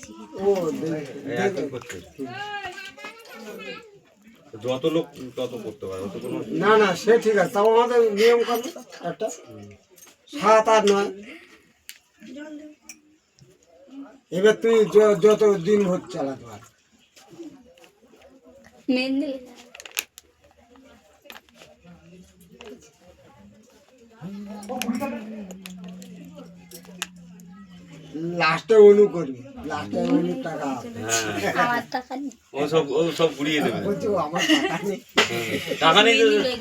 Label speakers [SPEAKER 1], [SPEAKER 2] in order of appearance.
[SPEAKER 1] ও
[SPEAKER 2] করতে যত লোক তত করতে পারে, অত কোনো
[SPEAKER 1] না না সে ঠিক আছে, তাও আমাদের নিয়ম কানুন একটা 7 আর 9। এবার তুই যত দিন ভোর চালাতে পার। লাস্টে অনু করবি, লাস্টে অনু টাকা
[SPEAKER 2] ও সব ঘুরিয়ে দেবে।
[SPEAKER 1] বলছি ও আমার টাকা নেই।
[SPEAKER 2] টাকা নেই তো